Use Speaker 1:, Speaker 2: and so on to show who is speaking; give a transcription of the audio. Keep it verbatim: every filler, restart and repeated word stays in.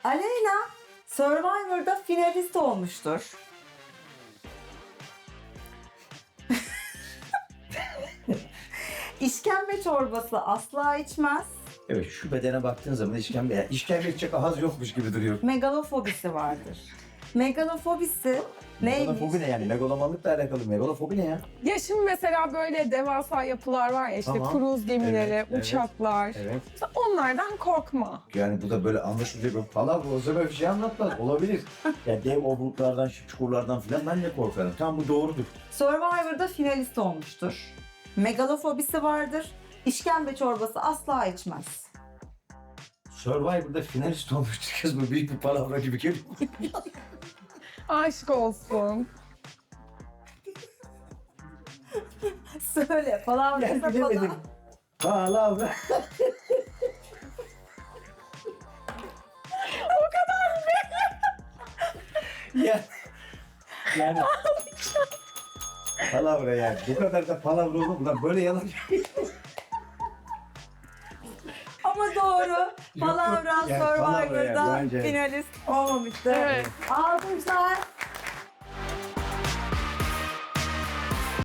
Speaker 1: Aleyna Survivor'da finalist olmuştur. İşkembe çorbası asla içmez.
Speaker 2: Evet, şu bedene baktığın zaman işkembe, yani işkembe içecek ahaz yokmuş gibi duruyor.
Speaker 1: Megalofobisi vardır. Megalofobisi neymiş?
Speaker 2: Megalofobi ne yani? Megalomanlıkla alakalı. Megalofobi ne ya?
Speaker 3: Ya şimdi mesela böyle devasa yapılar var ya işte
Speaker 2: Tamam.
Speaker 3: kruz gemileri,
Speaker 2: Evet, evet,
Speaker 3: uçaklar.
Speaker 2: evet.
Speaker 3: İşte onlardan korkma.
Speaker 2: Yani bu da böyle anlaşılacak bir falan o zaman bir şey anlatmaz. Olabilir. Ya dev obruklardan, çukurlardan falan ben de korkarım. Tam bu doğrudur.
Speaker 1: Survivor'da finalist olmuştur. Megalofobisi vardır. İşkembe çorbası asla içmez.
Speaker 2: Survivor'da finalist olmuştu kız, bu büyük bir palavra gibi geliyor.
Speaker 3: Aşk olsun.
Speaker 1: Söyle falan.
Speaker 2: Ben bilemedim. Palavra.
Speaker 3: O kadar mı?
Speaker 2: ya, yani palavra yani. Bu kadar da palavra olur mu lan? Böyle yalan.
Speaker 1: Ama doğru. Palavra
Speaker 2: Yani palavra yani,
Speaker 1: Survivor'da
Speaker 2: bence.
Speaker 1: finalist olmamıştır.
Speaker 3: Evet.
Speaker 1: Alkışlar.